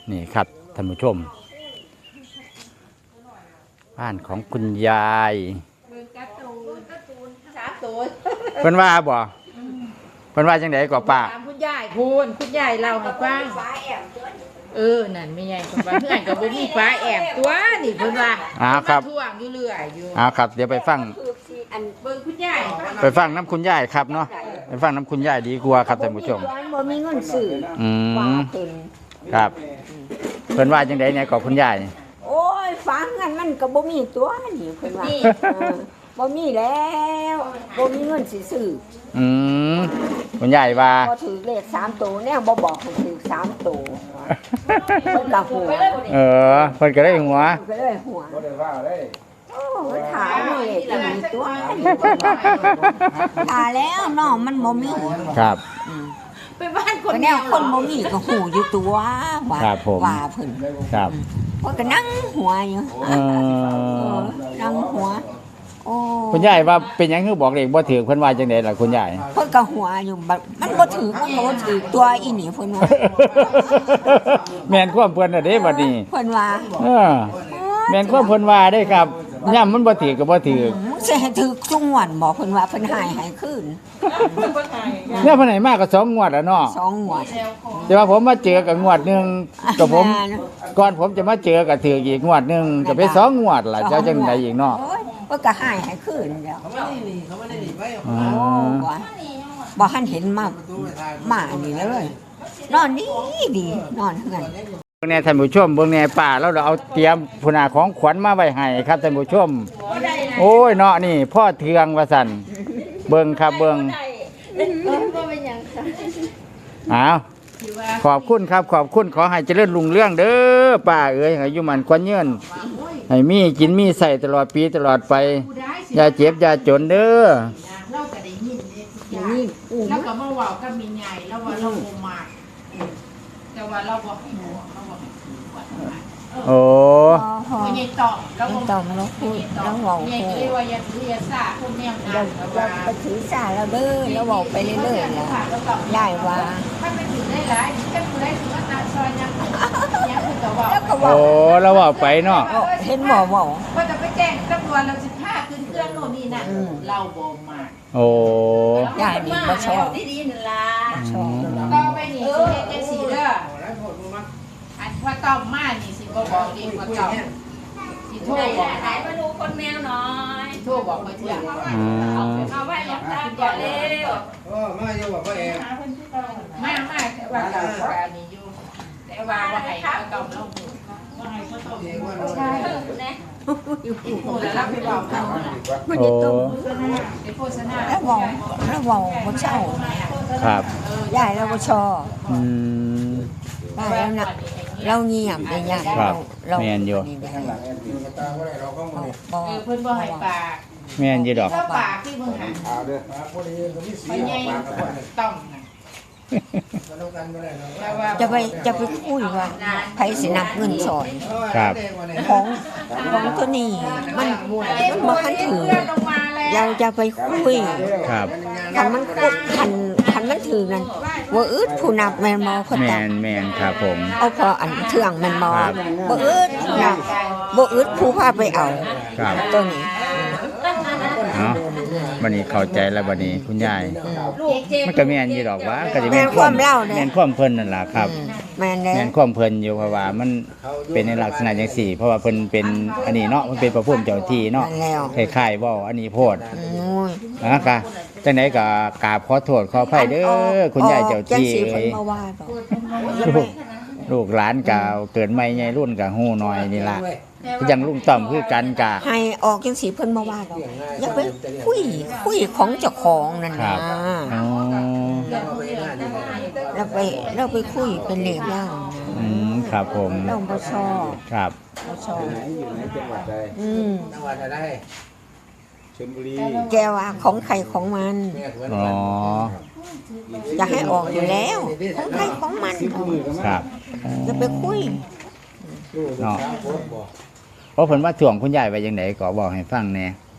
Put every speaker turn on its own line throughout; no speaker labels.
นี่ครับท่านผู้ชมบ้านของคุณยายเพิ่นว่าบ่เพิ่นว่าจังได๋ก็ป้า
คุณยายคุณยายเล่าให้ฟังนั่นไม่ใหญ่คนว่าเพื่อนก็บ่มีฟ้าแอบตัวนี่เพิ่นว่า
ครับ
ท่วงอยู่เรื่อยอยู่
ครับเดี๋ยวไปฟัง
เบิ่งคุณยาย
ไปฟังน้ำคุณยายครับเนาะไปฟังน้ำคุณยายดีกว่าครับท่านผู้ชม
บ่มีเงินซื้อ
ครับเพิ่นว่าจังได๋เนี่ยก็คุณยาย
โอ้ยฝาเงินมันก็บ่มีตัวนี่เพิ่นว่าบ่มีแล้วบ่มีเงินสิซื้อ
คุณยายว่า
พอถือเลข3ตัวแนวบ่บอกให้ถือ3ตัวเพิ่นก็หัว
เพิ่นก็ได้หัว
ก็เลยหัวบ่ได้ว่าเลยโอ้ถามเลขมีตัวถาแล้วน้องมันบ่มี
ครับ
ไปบ้านคน
แนวคนบ่มีก็หูอยู่ตัวว่าเพิ่น
ครับ
เพิ่นก็นั่งหัวอยู่นั่งหัวโอ้
คุณยายว่าเป็นหยังคือบอกเลขบ่ถูกเพิ่นว่าจังได๋ล่ะคุณยาย
เพิ่นก็หัวอยู่มันบ่ถูกมันบ่ถูกตัวอีนี่เพิ่นว่า
แม่นความเพิ่นน่ะเด้บัดนี้
เพิ่นว่า
แม่นความเพิ่นว่าเด้ครับย่ำมันบ่ถูกก็บ่ถูก
สิให้ถูกทุกงวดบ่เพิ่นว่าเพิ่นให้คืน
เนี่ยเพิ่นให้มาก็2งวดแล้วเนาะ
2งวด
แต่ว่าผมมาเจอกับงวดนึงกับผมก่อนผมจะมาเจอก็ถูกอีกงวดนึงก็เป็น2งวดล่ะเจ้าจังได๋อีกเนาะ
เพิ่นก็ให้คืนแล้วเขาบ่ได้หนีไว้บ่ทันเห็นมานี่เลยนอนดีนอนเฮือน
เบิ่งแน่ท่านผู้ชมเบิ่งแน่ป้าเราเอาเตรียมพุ่นน่ะของขวัญมาไว้ให้ครับท่านผู้ชมโอ้ยเนาะนี่พ่อเทืองว่าซั่นเบิ่งครับเบิ่งขอบคุณครับขอบคุณขอให้เจริญรุ่งเรืองเด้อป้าเอ้ยให้อยู่มันควันยืนให้มีกินมีใส่ตลอดปีตลอดไปอย่าเจ็บอย่าจนเด้อ
เราก็ได้ยินแล้วก็มาเว้ากับมีใหญ่แล้วว่าเราบ่มากแต่ว่าเราบ่ให้หัวเราบ่ให้
โอ้
ไม่ใช่ตอบแล้ว
ตอบแล้วพูดแล้วเว้า
ใหญ่เลยว่าอย่าถืออย่าซ่าคนแนวนั้น
เราไปถือซ่าแล้วเด้อแล้วเว้าไปเรื่อยๆแล้วได้ว่า
ถ้าไม่ถือได้หลายถ้าถือได้ถือว่าตาซอยยัง
โอ้เราเว้าไปเนาะ
เห็นบ่เว้า
ว่าจะไปแจ้งตำรวจเรา15ขึ้นเครื่องโน่นนี่นั่นเราบ่มา
โอ้
ยายนี่บ่ชอบ
ดีๆนั่นล่ะชอบต่อไปนี่สิเฮ็ดจังซี่เด้ออันว่าต้อมมานี่สิบ่บอกดีว่าต้อมสิโทรบอกไหนมาดูคนแมวหน่อยโทรบอกไปเที่ยงเอาไว้หลับตาก่อนเร็ว
มาอยู่บ่เอง
มาว่าเก่าอันนี้อยู่แต่ว่าให้เขาต้อมลงว่าให้เขาต้อมใช่นะโอ้แล้วรับไปบอกเขา
ไม่ได้ต้ม
ไปโฆษณา
แล้วบอกบ่เช่า
ครับ
ยายแล้วบ่ชอบได้แล้วนะเราเงียบได้ยาก
เราแม่นอยู่
เพิ่นบ่ให้ปาก
แม่นอยู่ดอก
ปากที่มึงหันไปใหญ่ต้อง
จะไปคุยว่าไผสินับเงินซอย
ครับ
ของตัวนี้มันบ่ทันถือเราจะไปคุย
ครับ
คันมันคันมันถือนั่นบ่อึดผู้นับแม่นบ่เพิ่น
แม่นครับผม
เอาพออันเทื่องแม่นบ่บ่อึดนับบ่อึดผู้พาไปเอาตัวนี้
วันนี้เข้าใจแล้ววันนี้คุณยายมันก็แม่นอยู่ดอกว่าก็สิ
แม่นความเล่า
แม่นความเพิ่นนั่นล่ะครับ
แม่
นความเพิ่นอยู่เพราะว่ามันเป็นในลักษณะจังซี่เพราะว่าเพิ่นเป็นอันนี้เนาะมันเป็นพระภูมิเจ้าที่เนาะคล้ายๆว่าอันนี้โพดนะคะจังได๋ก็กราบขอโทษขออภัยเด้อคุณยายเจ้าที่เอ้ยลูกหลานก็เกิดใหม่ใหญ่รุ่นก็ฮู้น้อยนี่ล่ะยังลุงต่อมคือกันกะ
ให้ออกจังสีเพิ่นมาว่าดอกอย่าไปคุยของเจ้าของนั่นนะเราไปคุยเป็นเลขย่าง
ครับผม
เราบ่ชอบ
ครับ
บ่ชอบ
อยู่ในจังหวัดใดจังหวัดอะไรชลบุรี
แกว่าของใครของมันอยากให้ออกอยู่แล้วของใครของมัน
ครับ
อย่าไปคุย
เนาะเพราะเพิ่นว่าถ่วงคุณยายไว้จังได๋ก็บอกให้ฟังแน่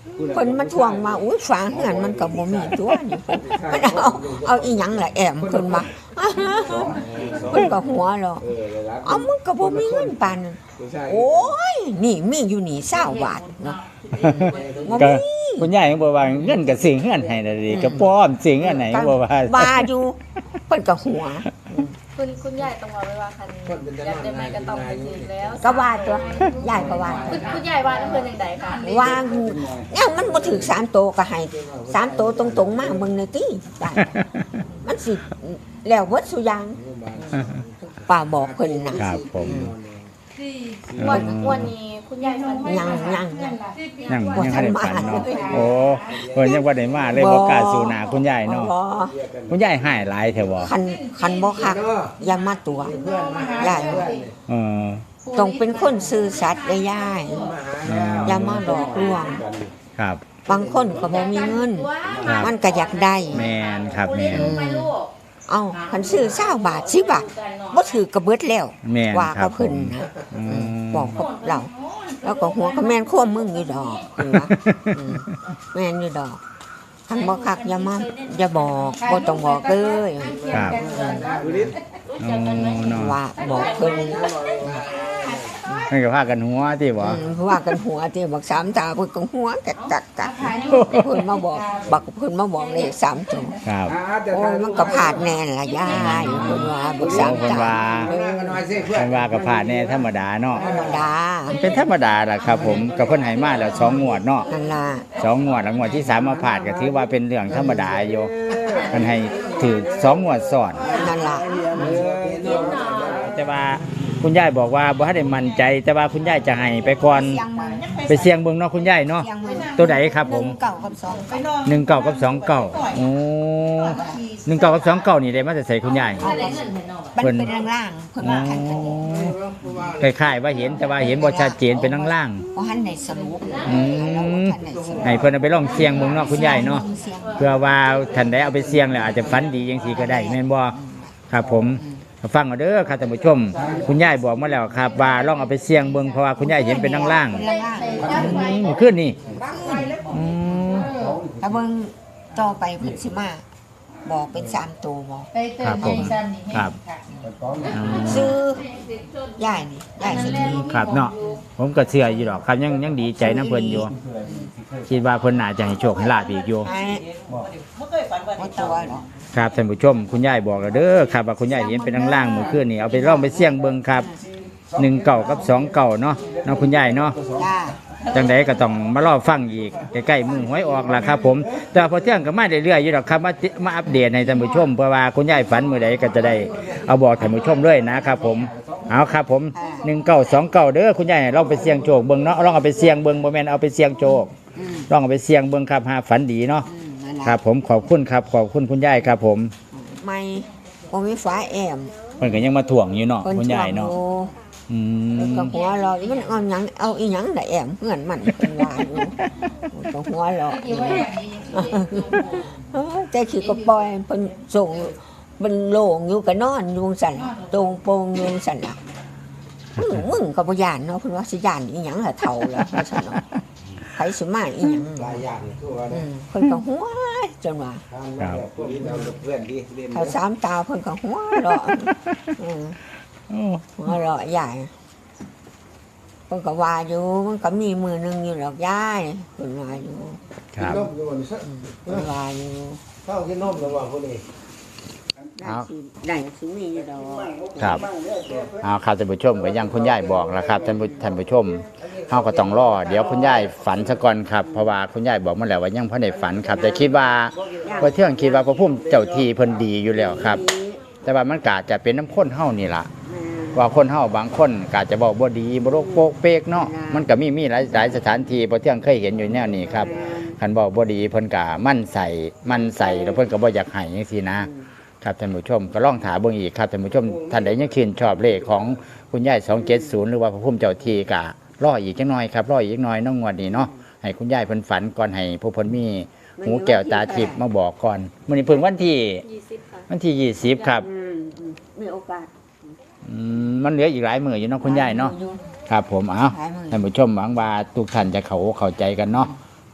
เพิ่นมาทวงมาอุ้ยฝาเฮือนมันก็บ่มีตัวนี่เพิ่นมันเอาอีหยังล่ะแอมเพิ่นมาเพิ่นก็หัวเราะเอามึงก็บ่มีเงินปานนั้นโอ้ยนี่มีอยู่นี่20บาทเนาะบ่
ก็
มี
คุณยายก็บอกว่าเงินก็ซื้อเฮือนให้น่ะดิก็ป้อมซื้อเงินไหนก็บอกว่า
บาอยู่เพิ่นก็หัว
คุณยายต้องบอกไว้ว่าคันอยากได้ไม้ก็ต้องไปซื้อแล้ว
ก็ว่าตัวยายก็ว่า
คุณยายว่าน้ำเพิ่นจังไดค่ะ
ว่ายังมันบ่ถึง3โตก็ให้3โตตรงๆมาเบิ่งหน่อยติได้มันสิแล้วเบิดซุอย่างป้าบอกเพิ่นน่ะ
ครับผม
วันนี้คุณยายฝัน
ยัง
ยังบ่ทันได้ฝันเนาะโอ้เพิ่นยังบ่ได้มาเลยบ่กล้าสู่หน้าคุณยายเนาะ
บ่
คุณยายหายหลายแท้บ่
คันบ่คักอย่ามาตัวยาย
เออ
ต้องเป็นคนซื่อสัตย์เด้อยายอย่ามาหลอกลวง
ครับ
บางคนก็บ่มีเงิน
ครับ
มันก็อยากได้
แม่นครับแม่น
เอ้าคันซื้อ20บาท10บาทบ่ถือกระเบิดแล้ว
แม่น
ว่า
ครั
กั
บบ
เพิ่น
ผม
นะ
อืม
บอกกับเรา แล้วก็หัวก็แม่นควมมึงอยู่ดอกเพิ่นว่าแม่นอยู่ดอกคันบ่คักอย่าบอกบ่ต้องบอกเลย
ครับโอ้เนาะ
ว่าบอกเพิ่น
เพิ่นก็พากันหัวติบ่
ว่ากันหัวที่บัก3ตาเพิ่นก็หัวกักเพิ่นมาบอกเพิ่นมาบอกเลข3ตัว
ครับ
โอ้ยมันก็พลาดแน่ล่ะยายเพิ่นว่าบัก3
เพิ่น
ตา
ว่าเพิ่นว่าก็พลาดแน่ธรรมดาเนาะ
ธรรมดา
เป็นธรรมดาล่ะครับผมก็เพิ่นให้มาแล้ว2งวดเนาะ
นั่นล่ะ
2งวดแล้วงวดที่3มาพลาดก็ถือว่าเป็นเรื่องธรรมดาอยู่เพิ่นให้ถือ2งวดซ้อน
นั่นล่ะ
แต่ว่าคุณยายบอกว่าบ่ทันได้มั่นใจ แต่ว่าคุณยายจะให้ไปก่อนไปเสี่ยงเบิ่งเนาะคุณยายเนาะตัวใดครับผม
1 9กับ2ไปนอน
19กับ29โอ้19กับ29นี่ได้มาแต่ใส่คุณยาย
มันเป็นล่างๆเพิ่นว่าคันนี้
คล้ายๆว่าเห็นแต่ว่าเห็นบ่ชัดเจนเป็นล่าง
บ่ทันได้สรุป
ๆอืมให้เพิ่นเอาไปลองเสี่ยงเบิ่งเนาะคุณยายเนาะเพื่อว่าท่านใดเอาไปเสี่ยงแล้วอาจจะฝันดีจังซี่ก็ได้แม่นบ่ครับผมฟังเอาเด้อครับท่านผู้ชม คุณยายบอกมาแล้วครับว่าลองเอาไปเสี่ยงเบิ่งเพราะว่าคุณยายเห็นเป็นล่าง
เป็นล่าง
ๆขึ้นนี่อืม
ๆถ้าเบิ่งต่อไปเพิ่นสิมาบอกเป็น3ตัวบอก
ไปเติมให้ซ้ำนี่ให้ค่ะ
อืม
ซื้อยายนี่ยายสิดี
ครับเนาะผมก็เชื่ออยู่ดอกครับยังดีใจนํเพิ่นอยู่คิดว่าเพิ่นน่าจะให้โชคให้ลาภอีกอยู่
ให้บ่ตัวหรอก
ครับท่านผู้ชมคุณยายบอกแล้วเด้อครับว่าคุณยายเห็นเป็นล่างๆเมื่อคืนนี่เอาไปลองไปเสี่ยงเบิ่งครับ1เก่ากับ2เก่าเนาะคุณยายเนาะ
จ้า
จังใดก็ต้องมารอฟังอีกใกล้ๆมือหวยออกล่ะครับผมแต่พอเที่ยงก็มาเรื่อยๆอยู่ดอกครับมาอัปเดตให้ท่านผู้ชมเพื่อว่าคุณยายฝันมื้อใดก็จะได้เอาบอกท่านผู้ชมเลยนะครับผมเอาครับผม1929เด้อคุณยายลองไปเสี่ยงโชคเบิ่งเนาะลองเอาไปเสี่ยงเบิ่งบ่แม่นเอาไปเสี่ยงโชคลองเอาไปเสี่ยงเบิ่งครับหาฝันดีเนาะ
นั่นล่ะ
ครับผมขอบคุณครับขอบคุณคุณยายครับผม
ไม่บ่มีฝาแอม
เพิ่นก็ยังมาถ่วงอยู่เนาะ
เพิ่น
คุณ
ช
ยา
อย บ
เนาะ
อยู่
อื
เพิ่น
ม
ก็หัวเราะมันเอาอีหยังน่ะแอมเฮือนมันเพิ่นว่าอยู่เพิ่นก็หัวเราะ
ที่ว่าอย่างนี้
แต่ขี้ก็ปล่อยเพิ่นส่งเป็นโล่งอยู่ก็นอนอยู่สั่นล่ะตรงโปงอยู่สั่นล่ะมึงก็บ่ย่านเนาะเพิ่นว่าสิย่านอีหยังล่ะเฒ่าแล้วว่าซั่นเนาะไผสิมาอีหยัง
หลายอย่างทั่ว
เพิ่นก็หัวจนว่า
พวกนี้เราเพื่อนดีเล่น
เขาสามตาเพิ่นก็หัวเราะหัวเราะใหญ่เพิ่นก็ว่าอยู่มันก็มีมือหนึงอยู่หรอกยายเพิ่นว่าอยู่
ครับ
นมอยู่นี่
เพิ่นว่าอยู่
เข้ากินนมระหว่างคนนี้
ได้สิมีอยู่ดอก
ครับเอาครับท่านผู้ชมก็ยังคุณยายบอกแล้วครับท่านผู้ชมเฮาก็ต้องรอเดี๋ยวคุณยายฝันซะก่อนครับเพราะว่าคุณยายบอกมาแล้วว่ายังบ่ได้ฝันครับ แต่คิดว่าพอเที่ยงคิดว่าพระพุ่มเจ้าที่เพิ่นดีอยู่แล้วครับ แต่ว่ามันก็อาจจะเป็นน้ำข้นเฮานี่ล่ะว่าคนเฮาบางคนก็อาจจะบอกบ่ดีบ่โรคโปกเปกเนาะมันก็มีหลายสถานที่พอเที่ยงเคยเห็นอยู่แนวนี้ครับคันบอกบ่ดีเพิ่นก็มั่นใส่แล้วเพิ่นก็บ่อยากให้จังซี่นะครับท่านผู้ชมก็ลองถามเบิ่งอีกครับท่านผู้ชมท่านใดยังชื่นชอบเลขของคุณยาย270หรือว่าพระพุ่มเจ้าที่ก็รออีกจังหน่อยครับรออีกหน่อยน้องงวดนี้เนาะให้คุณยายเพิ่นฝันก่อนให้ผู้เพิ่นมีหูแก้วตาทิพย์มาบอกก่อนมื้อนี้เพิ่นวันที่
20ค่ะ
วันที่20ครับ
มีโอกาส
มันเหลืออีกหลายมื้ออยู่เนาะคุณยายเนาะครับผมเอาท่านผู้ชมหวังว่าทุกท่านจะเข้าใจกันเนาะ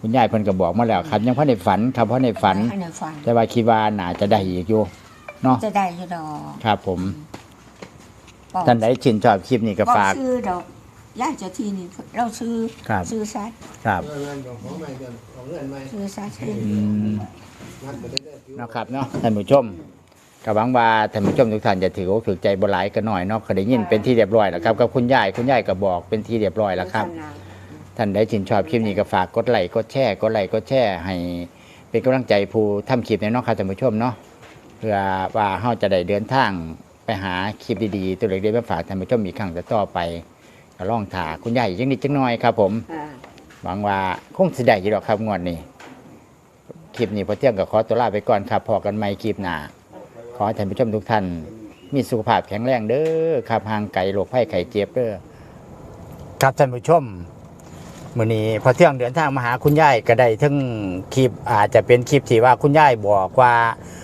คุณยายเพิ่นก็บอกมาแล้วครับยังพอได้ฝันครับพอได้ฝัน
ให้ในฝัน
แต่ว่าคิดว่าน่าจะได้อีกอยู่เนาะ
จะได้อยู่ดอก
ครับผม
บอก
ท่านใดชื่นชอบคลิปนี้ก็
บอก
ฝาก
ซื้อดอกย่าเจ้าที่นี่เราซื้อ
ครับ
ซื้อซัด
ครับ
เงินของใหม่ของเงินใหม่
ซื้อซัด
อืม
นัดไปได้
เนาะครับเนาะท่านผู้ชมก็หวังว่าท่านผู้ชมทุกท่านจะถืออกถือใจบ่หลายกันหน่อยเนาะก็ได้ยินเป็นที่เรียบร้อยแล้วครับกับคุณยายก็บอกเป็นที่เรียบร้อยแล้วครับ ท่านใดชื่นชอบคลิปนี้ก็ฝากกดไลค์กดแชร์กดไลค์กดแชร์ให้เป็นกำลังใจผู้ทำคลิปในเนาะครับท่านผู้ชมเนาะเพื่อว่าเราจะได้เดินทางไปหาคลิปดีๆตัวเล็กๆมาฝากท่านผู้ชมอีกครั้งต่อไปก็ลองถ่าคุณยายอีกนิดจังน้อยครับผมหวังว่าคงสิได้อยู่ดอกครับงวดนี้คลิปนี้พอเที่ยงก็ขอตัวลาไปก่อนครับพอกันใหม่คลิปหน้าขอให้ท่านผู้ชมทุกท่านมีสุขภาพแข็งแรงเด้อครับห่างไกลโรคภัยไข้เจ็บเด้อครับท่านผู้ชม มื่อนี้พอเที่ยงเดินทางมาหาคุณยายก็ได้ทั้งคลิปอาจจะเป็นคลิปที่ว่าคุณยายบอกว่า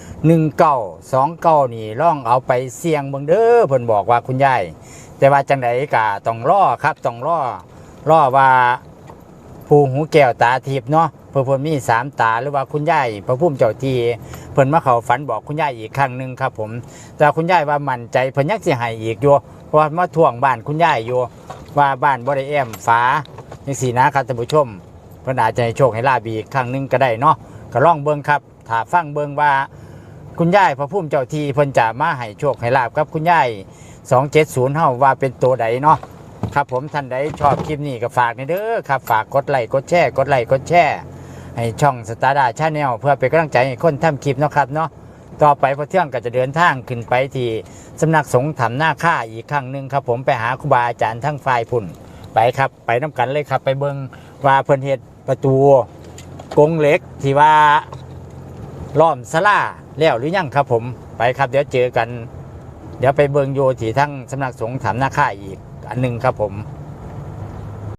1929นี่ล่องเอาไปเสี่ยงเบิ่งเด้อเพิ่นบอกว่าคุณยายแต่ว่าจังไดก็ต้องรอครับต้องรอว่าผู้หูแก้วตาทิพย์เนาะเพิ่นมี3ตาหรือว่าคุณยายพระพุ่มเจ้าที่เพิ่นมาเข้าฝันบอกคุณยายอีกครั้งนึงครับผมแต่คุณยายว่ามั่นใจเพิ่นยังสิให้อีกอยู่เพราะว่ามาท่วงบ้านคุณยายอยู่ว่าบ้านบ่ได้แอมฝาจังซี่นะครับท่านผู้ชมเพิ่นอาจจะให้โชคให้ลาบอีกครั้งนึงก็ได้เนาะก็ลองเบิ่งครับถ้าฟังเบิ่งว่าคุณยายพระพุ่มเจ้าที่เพิ่นจะมาให้โชคให้ลาบกับคุณยาย270เฮาว่าเป็นตัวใดเนาะครับผมท่านใดชอบคลิปนี้ก็ฝากนี่เด้อครับฝากกดไลค์กดแชร์กดไลค์กดแชร์ให้ช่องสตาร์ดาชาแนลเพื่อเป็นกำลังใจให้คนทำคลิปเนาะครับเนาะต่อไปพอเที่ยงก็จะเดินทางขึ้นไปที่สำนักสงฆ์ถ้ำนาค่าอีกครั้งนึงครับผมไปหาครูบาอาจารย์ทั้งฝ่ายพุ่นไปครับไปน้ำกันเลยครับไปเบิ่งว่าเพิ่นเฮ็ดประตูกรงเหล็กที่ว่าล้อมศาลาแล้วหรือยังครับผมไปครับเดี๋ยวเจอกันเดี๋ยวไปเบิ่งโยที่ทั้งสำนักสงฆ์ถ้ำนาค่าอีกอันหนึงครับผม